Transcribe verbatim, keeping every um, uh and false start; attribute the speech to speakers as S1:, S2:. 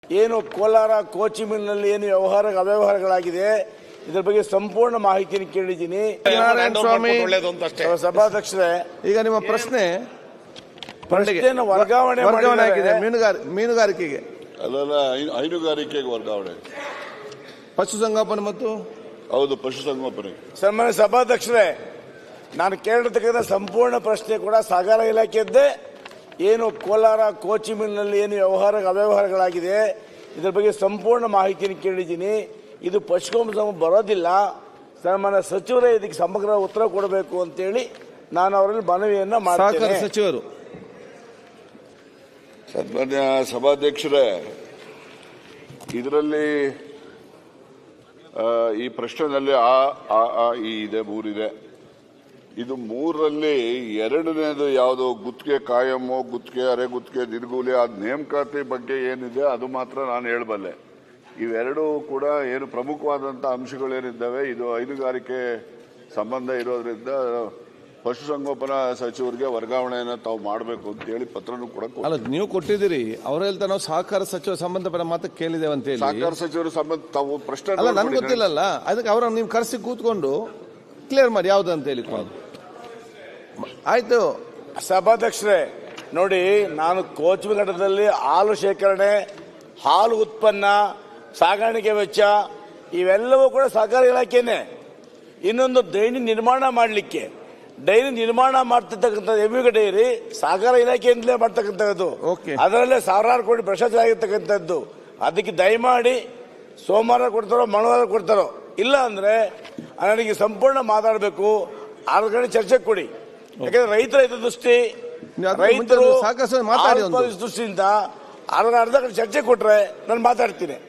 S1: ಏನು ಕೋಲಾರ ಕೋಚಿ ಮಿಲ್ನಲ್ಲಿ ಏನು ವ್ಯವಹಾರ ಅವ್ಯವಹಾರಗಳಾಗಿದೆ ಇದರ ಬಗ್ಗೆ ಸಂಪೂರ್ಣ ಮಾಹಿತಿಯನ್ನು ಕೇಳಿದ್ದೀನಿ.
S2: ಸ್ವಾಮಿ
S1: ಸಭಾಧ್ಯಕ್ಷರೇ,
S2: ಈಗ ನಿಮ್ಮ ಪ್ರಶ್ನೆ
S1: ಪ್ರಶ್ನೆಯನ್ನು ವರ್ಗಾವಣೆ
S2: ವರ್ಗಾವಣೆ ಆಗಿದೆ ಮೀನುಗಾರಿಕೆಗೆ
S3: ಅಲ್ಲಲ್ಲ ಹೈನುಗಾರಿಕೆಗೆ ವರ್ಗಾವಣೆ,
S2: ಪಶುಸಂಗೋಪನೆ ಮತ್ತು
S3: ಹೌದು ಪಶುಸಂಗೋಪನೆ.
S1: ಸನ್ಮಾನ್ಯ ಸಭಾಧ್ಯಕ್ಷರೇ, ನಾನು ಕೇಳಿರ್ತಕ್ಕಂಥ ಸಂಪೂರ್ಣ ಪ್ರಶ್ನೆ ಕೂಡ ಸಾಗರ ಇಲಾಖೆಯದ್ದೇ. ಏನು ಕೋಲಾರ ಕೋಚಿ ಮಿಲ್ನಲ್ಲಿ ಏನು ವ್ಯವಹಾರ ಅವ್ಯವಹಾರಗಳಾಗಿದೆ ಇದರ ಬಗ್ಗೆ ಸಂಪೂರ್ಣ ಮಾಹಿತಿಯನ್ನು ಕೇಳಿದ್ದೀನಿ. ಇದು ಪಶುಸಂಗೋಪನೆ ಬರೋದಿಲ್ಲ. ಸನ್ಮಾನ್ಯ ಸಚಿವರೇ ಇದಕ್ಕೆ ಸಮಗ್ರ ಉತ್ತರ ಕೊಡಬೇಕು ಅಂತೇಳಿ ನಾನು ಅವರಲ್ಲಿ ಮನವಿಯನ್ನ ಮಾಡ್ತೇನೆ.
S2: ಸಚಿವರು
S3: ಸನ್ಮಾನ್ಯ ಸಭಾಧ್ಯಕ್ಷರೇ, ಇದರಲ್ಲಿ ಈ ಪ್ರಶ್ನೆಯಲ್ಲಿ ಆ ಆ ಆ ಈ ಇದೆ ಮೂರಿದೆ. ಇದು ಮೂರರಲ್ಲಿ ಎರಡನೇದು ಯಾವುದು ಗುತ್ತಿಗೆ ಕಾಯಮ್ಮು, ಗುತ್ತಿಗೆ ಅರೆ ಗುತ್ತಿಗೆ ದಿನಗೂಲಿ ಆ ನೇಮಕಾತಿ ಬಗ್ಗೆ ಏನಿದೆ ಅದು ಮಾತ್ರ ನಾನು ಹೇಳಬಲ್ಲೆ. ಇವೆರಡೂ ಕೂಡ ಏನು ಪ್ರಮುಖವಾದಂಥ ಅಂಶಗಳೇನಿದ್ದಾವೆ ಇದು ಹೈನುಗಾರಿಕೆ ಸಂಬಂಧ ಇರೋದ್ರಿಂದ ಪಶುಸಂಗೋಪನಾ ಸಚಿವರಿಗೆ ವರ್ಗಾವಣೆಯನ್ನು ತಾವು ಮಾಡಬೇಕು ಅಂತ ಹೇಳಿ ಪತ್ರನೂ ಕೂಡ
S2: ಅಲ್ಲ ನೀವು ಕೊಟ್ಟಿದ್ದೀರಿ. ಅವ್ರು ಹೇಳ್ತಾ ನಾವು ಸಹಕಾರ ಸಚಿವ ಸಂಬಂಧಪಟ್ಟ ಮಾತು ಕೇಳಿದ್ದೇವೆ ಅಂತ ಹೇಳಿ.
S3: ಸಹಕಾರ ಸಚಿವರು ಸಂಬಂಧ ತಾವು ಪ್ರಶ್ನೆ
S2: ಅಲ್ಲ ನನ್ಗೆ ಗೊತ್ತಿಲ್ಲಲ್ಲ, ಅದಕ್ಕೆ ಅವರನ್ನು ನೀವು ಕರೆಸಿ ಕೂತ್ಕೊಂಡು ಕ್ಲಿಯರ್ ಮಾಡಿ ಯಾವ್ದು ಅಂತ ಹೇಳಿ. ಆಯ್ತು
S1: ಸಭಾಧ್ಯಕ್ಷರೇ, ನೋಡಿ, ನಾನು ಕೋಚಿ ಘಟ್ಟದಲ್ಲಿ ಹಾಲು ಶೇಖರಣೆ, ಹಾಲು ಉತ್ಪನ್ನ, ಸಾಗಾಣಿಕೆ ವೆಚ್ಚ ಇವೆಲ್ಲವೂ ಕೂಡ ಸಹಕಾರ ಇಲಾಖೆನೇ. ಇನ್ನೊಂದು ಡೈರಿ ನಿರ್ಮಾಣ ಮಾಡಲಿಕ್ಕೆ ಡೈರಿ ನಿರ್ಮಾಣ ಮಾಡ್ತಿರ್ತಕ್ಕಂಥ ಎಮ್ಮಿಗ ಡೈರಿ ಸಹಕಾರ ಇಲಾಖೆಯಿಂದಲೇ ಮಾಡ್ತಕ್ಕಂಥದ್ದು. ಅದರಲ್ಲೇ ಸಾವಿರಾರು ಕೋಟಿ ಭ್ರಷ್ಟಾಚಾರ ಆಗಿರ್ತಕ್ಕಂಥದ್ದು. ಅದಕ್ಕೆ ದಯಮಾಡಿ ಸೋಮವಾರ ಕೊಡ್ತಾರೋ ಮಂಗಳವಾರ ಕೊಡ್ತಾರೋ, ಇಲ್ಲ ಅಂದ್ರೆ ನನಗೆ ಸಂಪೂರ್ಣ ಮಾತಾಡಬೇಕು. ಆರು ಗಂಟೆ ಚರ್ಚೆ ಕೊಡಿ. ಯಾಕಂದ್ರೆ ರೈತರ ಹಿತದೃಷ್ಟಿ, ರೈತರು ದೃಷ್ಟಿಯಿಂದ ಅರ್ಧ ಅರ್ಧ ಗಂಟೆ ಚರ್ಚೆ ಕೊಟ್ರೆ ನಾನು ಮಾತಾಡ್ತೀನಿ.